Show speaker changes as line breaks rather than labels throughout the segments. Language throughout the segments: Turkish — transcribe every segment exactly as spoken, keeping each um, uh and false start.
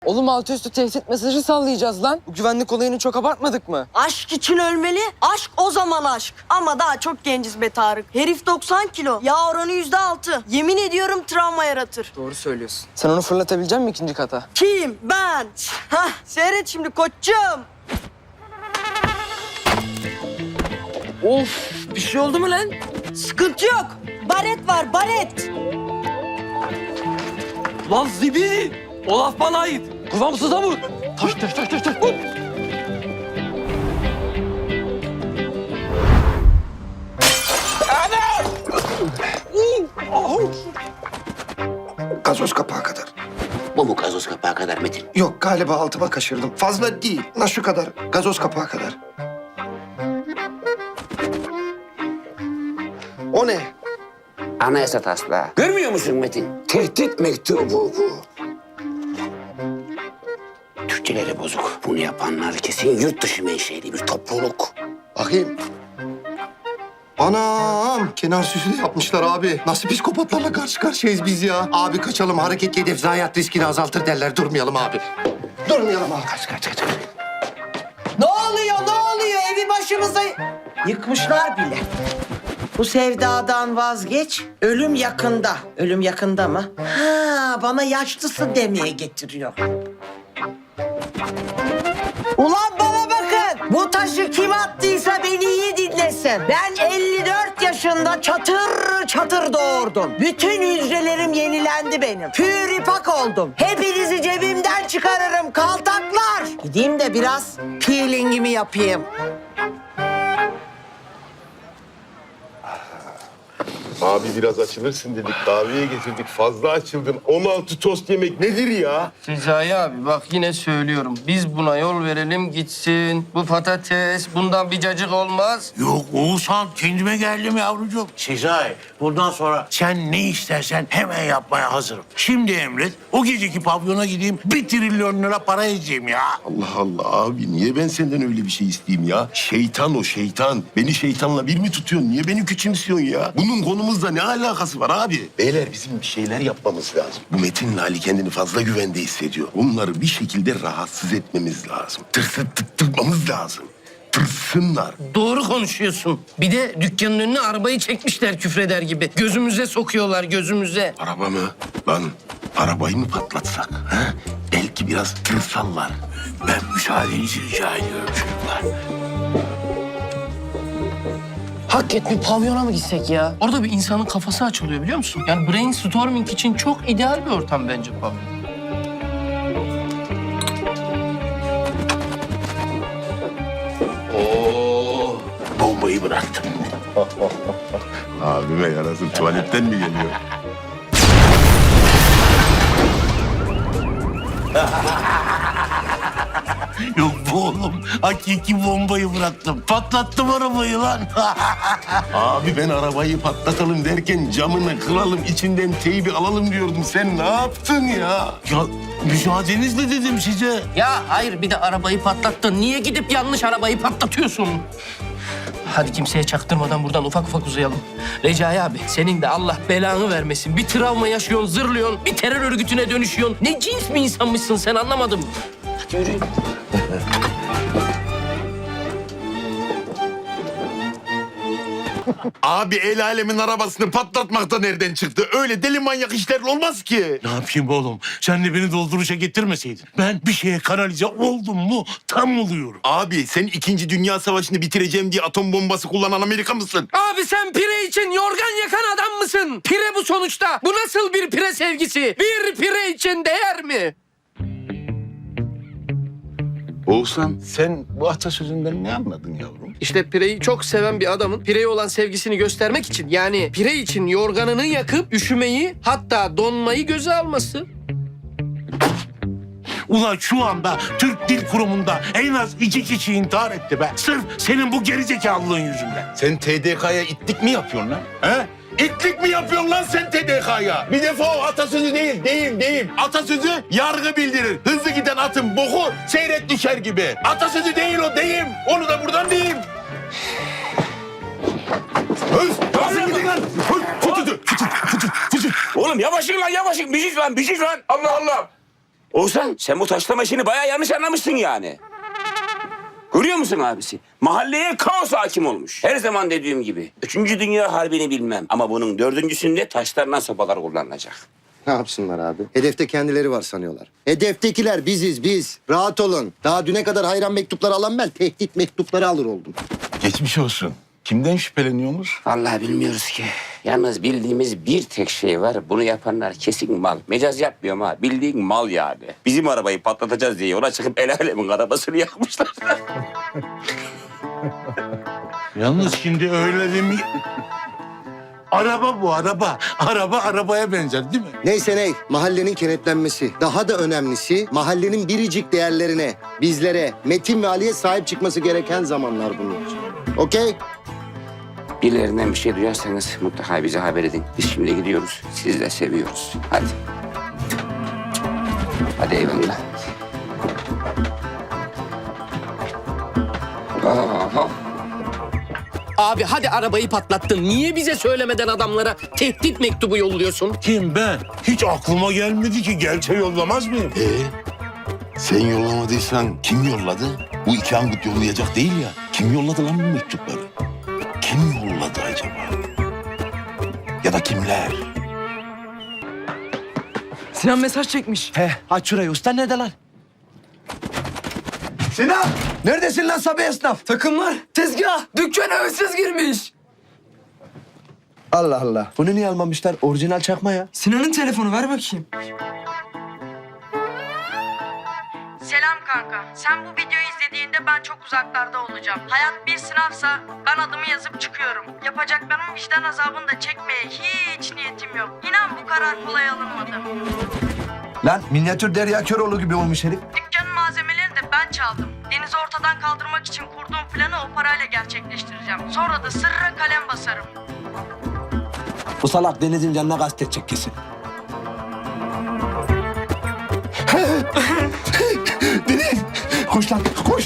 Oğlum altı üstü tehdit mesajı sallayacağız lan. Bu güvenlik olayını çok abartmadık mı?
Aşk için ölmeli, aşk o zaman aşk. Ama daha çok genciz be Tarık. Herif doksan kilo, yağ oranı yüzde altı. Yemin ediyorum travma yaratır.
Doğru söylüyorsun. Sen onu fırlatabilecek misin ikinci kata?
Kim? Ben. Hah, seyret şimdi koçum.
Of, bir şey oldu mu lan?
Sıkıntı yok. Baret var, baret.
Lan Zibi! O laf bana ait. Kıvamsıza vur. Taş taş taş taş taş. Vur.
Gazoz kapağı kadar.
Bu mu gazoz kapağı kadar Metin?
Yok galiba altıma kaçırdım. Fazla değil. Na şu kadar. Gazoz kapağı kadar. O ne?
Anayasa taslağı. Görmüyor musun Metin? Tehdit mektubu bu. Türkçeleri bozuk. Bunu yapanlar kesin yurt dışı menşeli bir topluluk.
Bakayım. Anam! Kenar süsü de yapmışlar abi. Nasıl psikopatlarla karşı karşıyayız biz ya? Abi kaçalım. Hareketli hedef zayiat riskini azaltır derler. Durmayalım abi. Durmayalım abi.
Kaç kaç kaç.
Ne oluyor, ne oluyor? Evi başımıza yıkmışlar bile. Bu sevdadan vazgeç. Ölüm yakında. Ölüm yakında mı? Ha, bana yaşlısın demeye getiriyor. Ulan bana bakın. Bu taşı kim attıysa beni iyi dinlesin. Ben elli dört yaşında çatır çatır doğurdum. Bütün hücrelerim yenilendi benim. Püripak oldum. Hepinizi cebimden çıkarırım kaltaklar. Gideyim de biraz peelingimi yapayım.
Abi biraz açılırsın dedik. Kahveye getirdik. Fazla açıldın. on altı tost yemek nedir ya?
Sezai abi bak yine söylüyorum. Biz buna yol verelim gitsin. Bu patates bundan bir cacık olmaz.
Yok Oğuzhan kendime geldim yavrucuğum. Sezai bundan sonra sen ne istersen hemen yapmaya hazırım. Şimdi emret o geceki pavyona gideyim bir trilyon lira para edeceğim ya.
Allah Allah abi niye ben senden öyle bir şey isteyeyim ya? Şeytan o şeytan. Beni şeytanla bir mi tutuyorsun? Niye beni küçümsüyorsun ya? Bunun konumuzla ne alakası var abi? Beyler bizim bir şeyler yapmamız lazım. Bu Metin'le Ali kendini fazla güvende hissediyor. Bunları bir şekilde rahatsız etmemiz lazım. Tırsıttırmamız lazım. Tırsınlar.
Doğru konuşuyorsun. Bir de dükkanın önüne arabayı çekmişler küfreder gibi. Gözümüze sokuyorlar gözümüze.
Araba mı? Lan arabayı mı patlatsak? Ha? Belki biraz tırsallar.
Ben müsaadenizi rica ediyorum çocuklar.
Hakikaten bir pavyona mı gitsek ya? Orada bir insanın kafası açılıyor biliyor musun? Yani brainstorming için çok ideal bir ortam bence pavyon.
Oo.
Bombayı bıraktım.
Abime yarasın tuvaletten mi geliyor?
Yok bu oğlum hakiki bombayı bıraktım. Patlattım arabayı lan.
Abi ben arabayı patlatalım derken camını kıralım, içinden teybi alalım diyordum. Sen ne yaptın ya?
Ya müsaadenizle dedim size.
Ya hayır bir de arabayı patlattın. Niye gidip yanlış arabayı patlatıyorsun? Hadi kimseye çaktırmadan buradan ufak ufak uzayalım. Recai abi senin de Allah belanı vermesin. Bir travma yaşıyorsun, zırlıyorsun, bir terör örgütüne dönüşüyorsun. Ne cins bir insanmışsın sen anlamadım. Hadi yürüyün.
Abi el alemin arabasını patlatmak da nereden çıktı? Öyle deli manyak işler olmaz ki.
Ne yapayım oğlum? Sen de beni dolduruşa getirmeseydin. Ben bir şeye kanalize oldum mu tam oluyorum.
Abi sen İkinci Dünya Savaşı'nı bitireceğim diye atom bombası kullanan Amerika mısın?
Abi sen pire için yorgan yakan adam mısın? Pire bu sonuçta. Bu nasıl bir pire sevgisi? Bir pire için değer mi?
Oğuzhan sen bu atasözünden ne anladın yavrum?
İşte pireyi çok seven bir adamın pireye olan sevgisini göstermek için yani pire için yorganını yakıp üşümeyi hatta donmayı göze alması.
Ulan şu anda Türk Dil Kurumu'nda en az iki kişi intihar etti be. Sırf senin bu gerizekalılığın yüzünden.
Sen T D K'ya itlik mi yapıyorsun lan? He? İtlik mi yapıyorsun lan sen T D K'ya? Bir defa o atasözü değil, değil, değil. Atasözü yargı bildirir. Hızlı giden atın boku seyrek düşer gibi. Atasözü değil o, deyim. Onu da buradan diyeyim. Hız! Nasıl gidin lan? Hız! Fıtıdı! Fıtıdı! Fıtıdı! Fıtıdı!
Oğlum yavaşın lan yavaşın. Biciş lan biciş lan. Allah Allah. Oğuzhan sen bu taşlama işini bayağı yanlış anlamışsın yani. Görüyor musun abisi? Mahalleye kaos hakim olmuş. Her zaman dediğim gibi. Üçüncü Dünya Harbi'ni bilmem. Ama bunun dördüncüsünde taşlarla sopalar kullanılacak.
Ne yapsınlar abi? Hedefte kendileri var sanıyorlar. Hedeftekiler biziz biz. Rahat olun. Daha düne kadar hayran mektupları alan ben tehdit mektupları alır oldum.
Geçmiş olsun. Kimden şüpheleniyorsunuz?
Vallahi bilmiyoruz ki. Yalnız bildiğimiz bir tek şey var. Bunu yapanlar kesin mal. Mecaz yapmıyorum ha. Bildiğin mal yani. Bizim arabayı patlatacağız diye yola çıkıp el alemin arabasını yakmışlar.
Yalnız şimdi öyle demi... Araba bu araba. Araba arabaya benzer değil mi?
Neyse ney, mahallenin kenetlenmesi. Daha da önemlisi mahallenin biricik değerlerine, bizlere, Metin ve Ali'ye sahip çıkması gereken zamanlar bunlar. Okey?
Birilerinden bir şey duyarsanız mutlaka bize haber edin. Biz şimdi gidiyoruz. Sizi de seviyoruz. Hadi. Hadi eyvallah. Aha.
Abi hadi arabayı patlattın. Niye bize söylemeden adamlara tehdit mektubu yolluyorsun?
Kim ben? Hiç aklıma gelmedi ki. Gelse yollamaz mıyım?
Ee, sen yollamadıysan kim yolladı? Bu iki angut yollayacak değil ya. Kim yolladı lan bu mektupları? Kim yolladı acaba? Ya da kimler?
Sinan mesaj çekmiş.
He, aç şurayı. Usta nerede lan? Sinan! Neredesin lan Sabi esnaf?
Takımlar, tezgah, dükkana hırsız girmiş.
Allah Allah. Bunu niye almamışlar? Orijinal çakma ya.
Sinan'ın telefonu ver bakayım.
Selam kanka. Sen bu videoyu izlediğinde ben çok uzaklarda olacağım. Hayat bir sınavsa ben adımı yazıp çıkıyorum. Yapacaklarımın vicdan azabını da çekmeye hiç niyetim yok. İnan bu karar kolay alınmadı.
Lan minyatür Derya Köroğlu gibi olmuş herif.
Dükkanın malzemelerini de ben çaldım. Deniz'i ortadan kaldırmak için kurduğum planı o parayla gerçekleştireceğim. Sonra da sırra kalem basarım.
Bu salak Deniz'in canına kastetecek kesin.
Deniz! Koş lan, koş!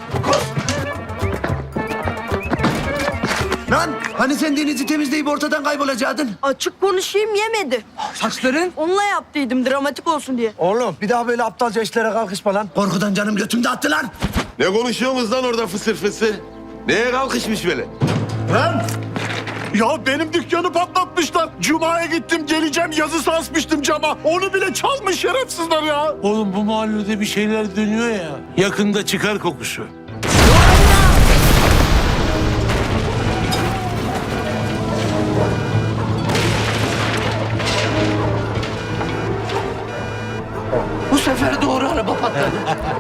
Lan hani sen Deniz'i temizleyip ortadan kaybolacaktın?
Açık konuşayım yemedi.
Saçların?
Onunla yaptıydım dramatik olsun diye.
Oğlum bir daha böyle aptalca işlere kalkışma lan. Korkudan canım götümde attı lan.
Ne konuşuyorsunuz lan orada fısır fısır? Neye kalkışmış böyle?
Lan! Ya benim dükkanı patlatmışlar. Cuma'ya gittim geleceğim yazısı asmıştım cama. Onu bile çalmış şerefsizler ya. Oğlum bu mahallede bir şeyler dönüyor ya. Yakında çıkar kokusu.
Bu sefer doğru araba patladı.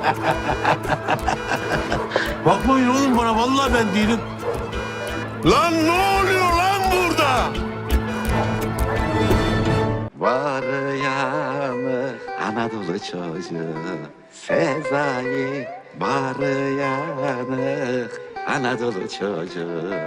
Bakmayın oğlum bana vallahi ben değilim.
Lan ne oluyor lan burada?
Var yanı Anadolu çocuğu Sezai var yanı Anadolu çocuğu